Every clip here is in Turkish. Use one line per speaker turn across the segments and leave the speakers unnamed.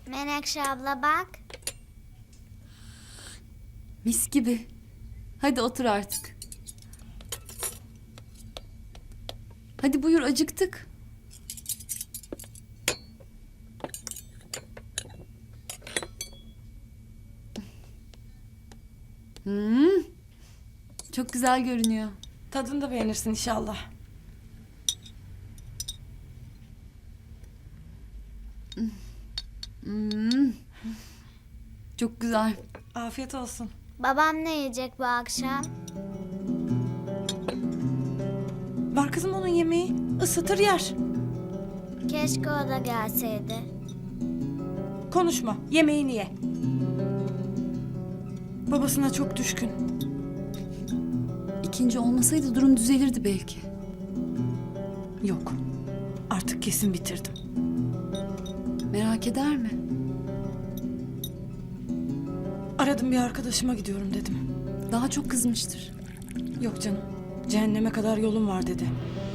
Menekşe abla bak.
Mis gibi. Hadi otur artık. Hadi buyur, acıktık. Çok güzel görünüyor.
Tadını da beğenirsin inşallah.
Çok güzel.
Afiyet olsun.
Babam ne yiyecek bu akşam?
Var kızım onun yemeği. Isıtır yer.
Keşke o da gelseydi.
Konuşma. Yemeğini ye. Babasına çok düşkün.
İkinci olmasaydı durum düzelirdi belki.
Yok. Artık kesin bitirdim.
Merak eder mi?
Aradım, bir arkadaşıma gidiyorum dedim.
Daha çok kızmıştır.
Yok canım. Cehenneme kadar yolum var dedi.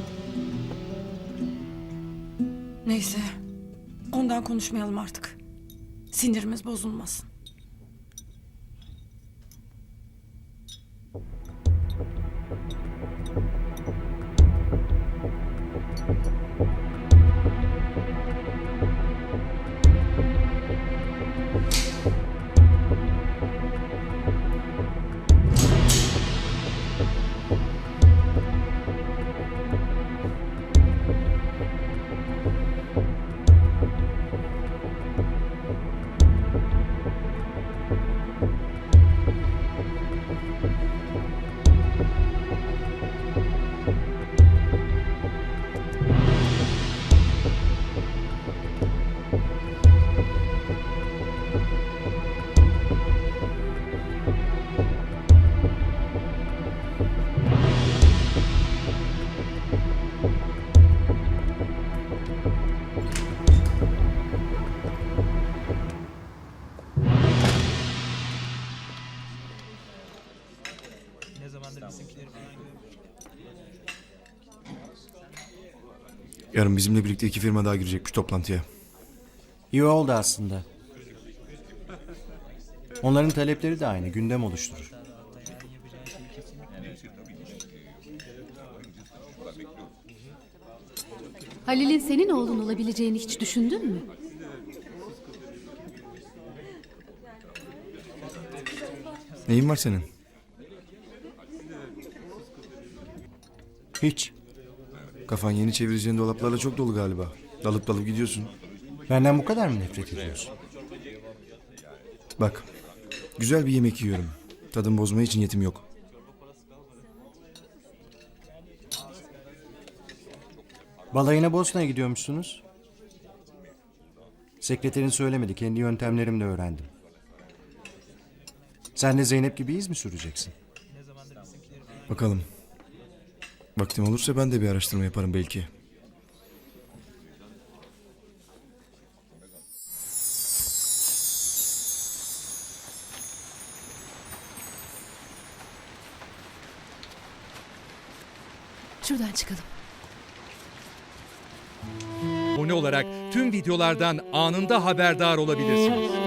Neyse. Ondan konuşmayalım artık. Sinirimiz bozulmasın.
Yarın bizimle birlikte 2 firma daha girecekmiş toplantıya.
İyi oldu aslında. Onların talepleri de aynı, gündem oluşturur.
Halil'in senin oğlun olabileceğini hiç düşündün mü?
Neyin var senin?
Hiç.
Kafan yeni çevireceğin dolaplarla çok dolu galiba. Dalıp dalıp gidiyorsun.
Benden bu kadar mı nefret ediyorsun?
Bak, güzel bir yemek yiyorum. Tadımı bozmaya için niyetim yok.
Balayına Bosna'ya gidiyormuşsunuz. Sekreterin söylemedi, kendi yöntemlerimle öğrendim. Sen de Zeynep gibi iz mi süreceksin?
Bakalım. Vaktim olursa ben de bir araştırma yaparım belki.
Şuradan çıkalım.
Abone olarak tüm videolardan anında haberdar olabilirsiniz.